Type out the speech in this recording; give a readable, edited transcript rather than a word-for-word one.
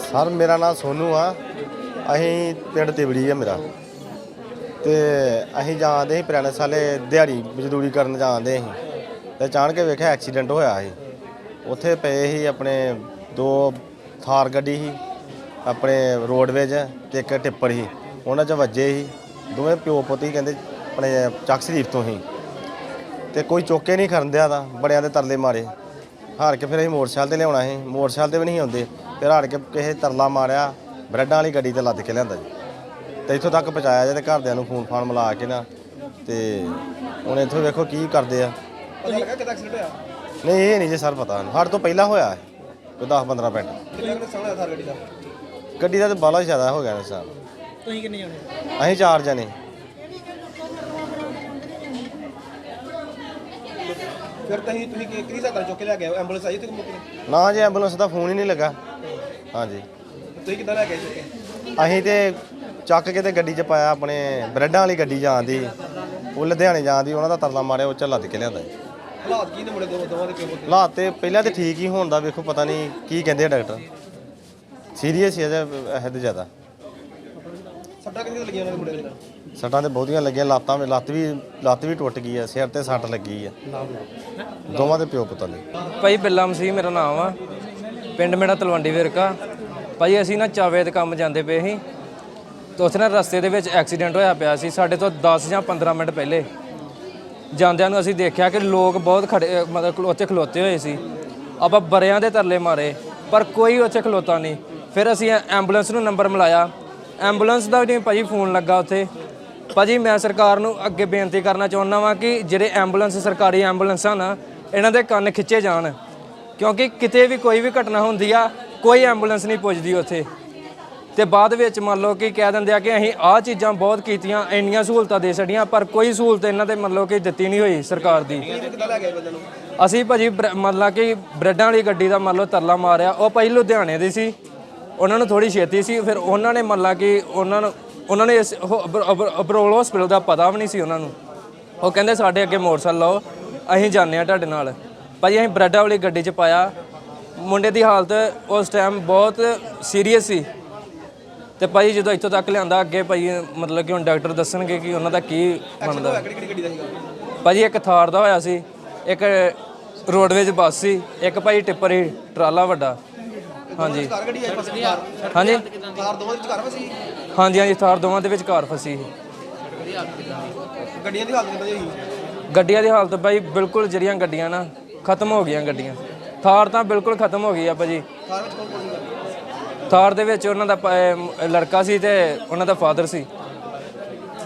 Sir ਮੇਰਾ ਨਾਮ ਸੋਨੂ ਆ। ਅਸੀਂ ਪਿੰਡ ਤਿਬੜੀ ਆ ਮੇਰਾ ਤੇ ਅਸੀਂ ਜਾਂਦੇ ਸੀ ਪੁਰਾਣੇ ਸਾਲੇ ਦਿਹਾੜੀ ਮਜ਼ਦੂਰੀ ਕਰਨ ਜਾਂਦੇ ਸੀ ਤੇ ਅਚਾਨਕ ਵੇਖਿਆ ਐਕਸੀਡੈਂਟ ਹੋਇਆ ਸੀ। ਉੱਥੇ ਪਏ ਸੀ ਆਪਣੇ ਦੋ ਥਾਰ ਗੱਡੀ ਸੀ ਆਪਣੇ ਰੋਡਵੇਜ ਤੇ ਇੱਕ ਟਿੱਪਰ ਸੀ, ਉਹਨਾਂ 'ਚ ਵੱਜੇ ਸੀ। ਦੋਵੇਂ ਪਿਓ ਪੁੱਤ ਹੀ ਕਹਿੰਦੇ ਆਪਣੇ ਚੱਕ ਸ਼ਰੀਫ ਤੋਂ ਹੀ ਤੇ ਕੋਈ ਚੁੱਕੇ ਨਹੀਂ ਖਰਨ ਦਿਆ ਦਾ, ਬੜਿਆਂ ਦੇ ਤਰਲੇ ਮਾਰੇ। ਹਾਰ ਕੇ ਫਿਰ ਅਸੀਂ ਮੋਟਰਸਾਈਕਲ 'ਤੇ ਲਿਆਉਣਾ ਸੀ, ਮੋਟਰਸਾਈਕਲ 'ਤੇ ਵੀ ਨਹੀਂ ਆਉਂਦੇ। ਫਿਰ ਹਾਰ ਕੇ ਕਿਸੇ ਤਰਲਾ ਮਾਰਿਆ, ਬਰੈਡਾਂ ਵਾਲੀ ਗੱਡੀ 'ਤੇ ਲੱਦ ਕੇ ਲਿਆਂਦਾ ਜੀ ਤੇ ਇੱਥੋਂ ਤੱਕ ਪਹੁੰਚਾਇਆ ਜੇ। ਤੇ ਘਰਦਿਆਂ ਨੂੰ ਫੋਨ ਫਾਨ ਮਿਲਾ ਕੇ ਨਾ ਤੇ ਹੁਣ ਇੱਥੋਂ ਵੇਖੋ ਕੀ ਕਰਦੇ ਆ। ਨਹੀਂ ਇਹ ਨਹੀਂ ਜੀ ਸਰ ਪਤਾ, ਸਾਡੇ ਤੋਂ ਪਹਿਲਾਂ ਹੋਇਆ ਕੋਈ 10-15 ਮਿੰਟ। ਗੱਡੀ ਦਾ ਤਾਂ ਬਾਹਲਾ ਜ਼ਿਆਦਾ ਹੋ ਗਿਆ ਨੁਕਸਾਨ। ਤੁਸੀਂ ਕਿੰਨੇ ਜਾਣੇ? ਅਸੀਂ 4 ਜਣੇ। ਫਿਰ ਤੁਸੀਂ ਕਿਹਦੀ ਸਹਾਇਤਾ ਚੁੱਕ ਕੇ ਲੈ ਗਏ? ਐਂਬੂਲੈਂਸ ਆਈ ਤੇ ਨਾ ਜੀ, ਐਂਬੂਲੈਂਸ ਦਾ ਫੋਨ ਹੀ ਨਹੀਂ ਲੱਗਾ। ਹਾਂਜੀ ਤੁਸੀਂ ਕਿੱਦਾਂ ਲੈ ਗਏ ਚੁੱਕ ਕੇ? ਅਸੀਂ ਤੇ ਚੱਕ ਕੇ ਤੇ ਗੱਡੀ 'ਚ ਪਾਇਆ, ਆਪਣੇ ਬਰੈਡਾਂ ਵਾਲੀ ਗੱਡੀ ਜਾਂਦੀ, ਉਹ ਲੁਧਿਆਣੇ ਜਾਂਦੀ, ਉਹਨਾਂ ਦਾ ਤਰਲਾ ਮਾਰਿਆ, ਉਹ 'ਚ ਲੱਦ ਕੇ ਲਿਆਂਦਾ ਜੀ। ਹਾਲਾਤ ਕੀ ਨੇ ਮੁੰਡੇ ਦੋਵਾਂ ਦੇ? ਹਾਲਾਤ ਤੇ ਪਹਿਲਾਂ ਤੇ ਠੀਕ ਹੀ ਹੋਣ ਦਾ ਵੇਖੋ, ਪਤਾ ਨਹੀਂ ਕੀ ਕਹਿੰਦੇ ਆ ਡਾਕਟਰ। ਸੀਰੀਅਸ ਹੀ ਹੈ ਇਹ ਤੇ ਜ਼ਿਆਦਾ। ਸੱਟਾਂ ਕਿੰਨੀਆਂ ਲੱਗੀਆਂ ਉਹਨਾਂ ਦੇ ਮੁੰਡੇ ਦੇ? ਸੱਟਾਂ ਤੇ ਬਹੁਤੀਆਂ ਲੱਗੀਆਂ, ਲੱਤ ਵੀ ਟੁੱਟ ਗਈ ਆ, ਸਿਰ ਤੇ ਸੱਟ ਲੱਗੀ ਆ ਦੋਵਾਂ ਦੇ ਪਿਓ ਪੁੱਤਾਂ ਦੇ। ਭਾਈ ਬਿੱਲਾ ਮਸੀਹ ਮੇਰਾ ਨਾਮ ਆ, ਪਿੰਡ ਮੇਰਾ ਤਲਵੰਡੀ ਵਿਰਕਾ। ਭਾਈ ਅਸੀਂ ਨਾ ਚਾਵੇ ਦੇ ਕੰਮ ਜਾਂਦੇ ਪਏ ਸੀ ਤੇ ਉੱਥੇ ਨਾ ਰਸਤੇ ਦੇ ਵਿੱਚ ਐਕਸੀਡੈਂਟ ਹੋਇਆ ਪਿਆ ਸੀ। ਸਾਡੇ ਤੋਂ 10 ਜਾਂ 15 ਮਿੰਟ ਪਹਿਲੇ ਜਾਂਦਿਆਂ ਨੂੰ ਅਸੀਂ ਦੇਖਿਆ ਕਿ ਲੋਕ ਬਹੁਤ ਖੜੇ, ਮਤਲਬ ਉੱਥੇ ਖਲੋਤੇ ਹੋਏ ਸੀ। ਆਪਾਂ ਬਰਿਆਂ ਦੇ ਤਰਲੇ ਮਾਰੇ ਪਰ ਕੋਈ ਉੱਥੇ ਖਲੋਤਾ ਨਹੀਂ। ਫਿਰ ਅਸੀਂ ਐਂਬੂਲੈਂਸ ਨੂੰ ਨੰਬਰ ਮਿਲਾਇਆ, ਐਂਬੂਲੈਂਸ ਦਾ ਵੀ ਨਹੀਂ ਭਾਜੀ ਫੋਨ ਲੱਗਾ ਉੱਥੇ। ਭਾਜੀ ਮੈਂ ਸਰਕਾਰ ਨੂੰ ਅੱਗੇ ਬੇਨਤੀ ਕਰਨਾ ਚਾਹੁੰਦਾ ਵਾਂ ਕਿ ਜਿਹੜੇ ਐਂਬੂਲੈਂਸ ਸਰਕਾਰੀ ਐਂਬੂਲੈਂਸਾਂ ਨਾ, ਇਹਨਾਂ ਦੇ ਕੰਨ ਖਿੱਚੇ ਜਾਣ, ਕਿਉਂਕਿ ਕਿਤੇ ਵੀ ਕੋਈ ਵੀ ਘਟਨਾ ਹੁੰਦੀ ਆ ਕੋਈ ਐਂਬੂਲੈਂਸ ਨਹੀਂ ਪੁੱਜਦੀ ਉੱਥੇ। ਤੇ ਬਾਅਦ ਵਿੱਚ ਮੰਨ ਲਓ ਕਿ ਕਹਿ ਦਿੰਦੇ ਆ ਕਿ ਅਸੀਂ ਆਹ ਚੀਜ਼ਾਂ ਬਹੁਤ ਕੀਤੀਆਂ, ਇੰਨੀਆਂ ਸਹੂਲਤਾਂ ਦੇ ਛੱਡੀਆਂ, ਪਰ ਕੋਈ ਸਹੂਲਤ ਇਹਨਾਂ ਤੇ ਮੰਨ ਲਓ ਕਿ ਦਿੱਤੀ ਨਹੀਂ ਹੋਈ ਸਰਕਾਰ ਦੀ। ਅਸੀਂ ਭਾਜੀ ਮੰਨ ਲਾ ਕਿ ਬਰੈਡਾਂ ਵਾਲੀ ਗੱਡੀ ਦਾ ਮੰਨ ਲਓ ਤਰਲਾ ਮਾਰਿਆ, ਉਹ ਭਾਈ ਲੁਧਿਆਣੇ ਦੀ ਸੀ, ਉਹਨਾਂ ਨੂੰ ਥੋੜੀ ਛੇਤੀ ਸੀ। ਫਿਰ ਉਹਨਾਂ ਨੇ ਮੰਨ ਲਾ ਕਿ ਉਹਨਾਂ ਨੇ ਇਸ ਅਬਰੋਲ ਹਸਪੀਟਲ ਦਾ ਪਤਾ ਵੀ ਨਹੀਂ ਸੀ ਉਹਨਾਂ ਨੂੰ। ਉਹ ਕਹਿੰਦੇ ਸਾਡੇ ਅੱਗੇ ਮੋਟਰਸਾਈਕਲ ਲਾਓ, ਅਸੀਂ ਜਾਂਦੇ ਹਾਂ ਤੁਹਾਡੇ ਨਾਲ। ਭਾਜੀ ਅਸੀਂ ਬਰੈਡਾਂ ਵਾਲੀ ਗੱਡੀ 'ਚ ਪਾਇਆ, ਮੁੰਡੇ ਦੀ ਹਾਲਤ ਉਸ ਟਾਈਮ ਬਹੁਤ ਸੀਰੀਅਸ ਸੀ। ਤੇ ਭਾਈ ਜਦੋਂ ਇੱਥੋਂ ਤੱਕ ਲਿਆਂਦਾ ਅੱਗੇ ਭਾਈ ਮਤਲਬ ਕਿ ਹੁਣ ਡਾਕਟਰ ਦੱਸਣਗੇ ਕਿ ਉਹਨਾਂ ਦਾ ਕੀ ਬਣਦਾ। ਭਾਜੀ ਇੱਕ ਥਾਰ ਦਾ ਹੋਇਆ ਸੀ, ਇੱਕ ਰੋਡਵੇਜ ਬੱਸ ਸੀ, ਇੱਕ ਭਾਈ ਟਿੱਪਰ ਸੀ ਟਰਾਲਾ ਵੱਡਾ। ਹਾਂਜੀ ਹਾਂਜੀ ਹਾਂਜੀ ਥਾਰ ਦੋਵਾਂ ਦੇ ਵਿੱਚ ਕਾਰ ਫਸੀ ਸੀ। ਗੱਡੀਆਂ ਦੀ ਹਾਲਤ ਕਿੱਦਾਂ ਹੋਈ? ਗੱਡੀਆਂ ਦੀ ਹਾਲਤ ਭਾਈ ਬਿਲਕੁਲ, ਜਿਹੜੀਆਂ ਗੱਡੀਆਂ ਨਾ ਖਤਮ ਹੋ ਗਈਆਂ ਗੱਡੀਆਂ। ਥਾਰ ਤਾਂ ਬਿਲਕੁਲ ਖਤਮ ਹੋ ਗਈ ਆ ਭਾਜੀ। ਕਾਰ ਵਿੱਚ ਕੌਣ ਸੀ? ਥਾਰ ਦੇ ਵਿੱਚ ਉਹਨਾਂ ਦਾ ਲੜਕਾ ਸੀ ਤੇ ਉਹਨਾਂ ਦਾ ਫਾਦਰ ਸੀ।